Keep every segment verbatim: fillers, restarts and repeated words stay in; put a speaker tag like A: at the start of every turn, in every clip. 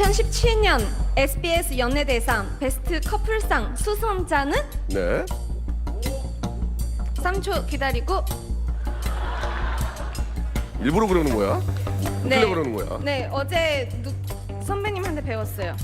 A: 이천십칠 년 에스비에스 연예대상 베스트 커플상 수상자는
B: 네.
A: 삼 초 기다리고.
B: 일부러 그러는 거야? 웃기려 그러는 거야?
A: 네, 어제 누, 선배님한테 배웠어요.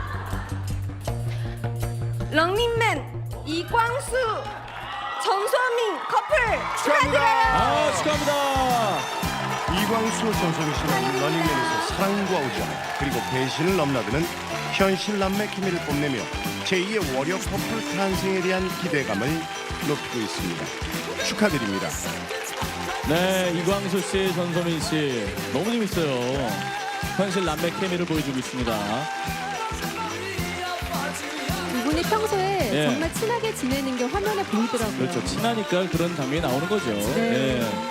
A: 런닝맨 이광수 전소민 커플 축하드려요.
C: 아, 축하합니다.
D: 이광수 전소민 씨는 러닝맨에서 사랑과 우정 그리고 배신을 넘나드는 현실 남매 케미를 뽐내며 제이의 월요 커플 탄생에 대한 기대감을 높이고 있습니다. 축하드립니다.
C: 네, 이광수 씨, 전소민 씨 너무 재밌어요. 현실 남매 케미를 보여주고 있습니다.
E: 두 분이 평소에
C: 예.
E: 정말 친하게 지내는 게 화면에 보이더라고요.
C: 그렇죠. 친하니까 그런 장면이 나오는 거죠.
E: 네.
C: 예.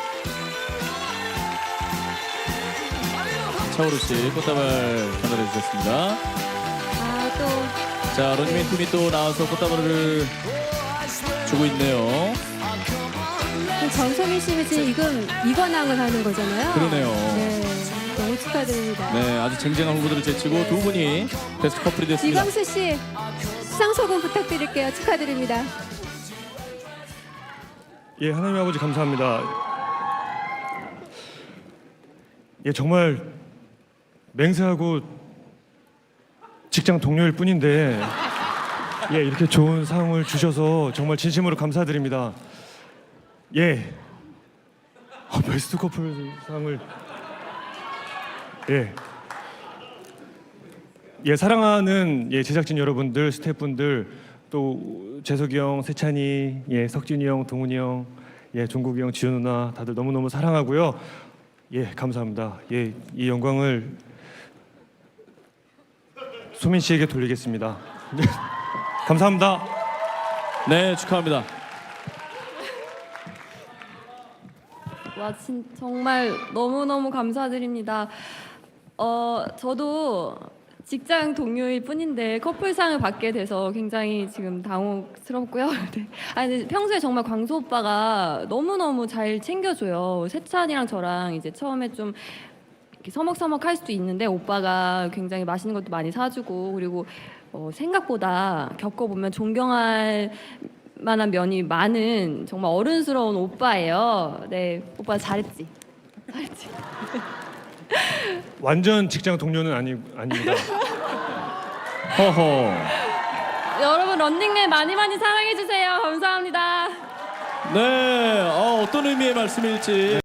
C: 차오루 씨 꽃다발 전달해 주셨습니다.
E: 아, 또
C: 자, 런닝맨 팀이 또 나와서 꽃다발을 주고 있네요.
E: 전소민 씨는 지금 이건 이관왕을 하는 거잖아요.
C: 그러네요.
E: 네, 너무 축하드립니다.
C: 네, 아주 쟁쟁한 후보들을 제치고 두 분이 베스트 커플이 됐습니다.
E: 이광수 씨 수상 소감 부탁드릴게요. 축하드립니다.
F: 예, 하나님 아버지 감사합니다. 예, 정말 맹세하고 직장 동료일 뿐인데 예, 이렇게 좋은 상을 주셔서 정말 진심으로 감사드립니다. 예, 어, 베스트 커플 상을 예, 예 사랑하는 예 제작진 여러분들, 스태프분들, 또 재석이 형, 세찬이, 예 석진이 형, 동훈이 형, 예 종국이 형, 지효 누나 다들 너무 너무 사랑하고요. 예 감사합니다. 예 이 영광을 소민 씨에게 돌리겠습니다. 네, 감사합니다.
C: 네, 축하합니다.
G: 와, 진, 정말 너무너무 감사드립니다. 어, 저도 직장 동료일 뿐인데 커플상을 받게 돼서 굉장히 지금 당혹스럽고요. 네. 아니, 근데 평소에 정말 광수 오빠가 너무너무 잘 챙겨줘요. 세찬이랑 저랑 이제 처음에 좀 이렇게 서먹서먹할 수도 있는데 오빠가 굉장히 맛있는 것도 많이 사주고, 그리고 어, 생각보다 겪어보면 존경할 만한 면이 많은 정말 어른스러운 오빠예요. 네, 오빠 잘했지. 잘했지.
F: 완전 직장 동료는 아니 아닙니다.
C: 허허.
G: 여러분 런닝맨 많이 많이 사랑해 주세요. 감사합니다.
C: 네, 어, 어떤 의미의 말씀일지.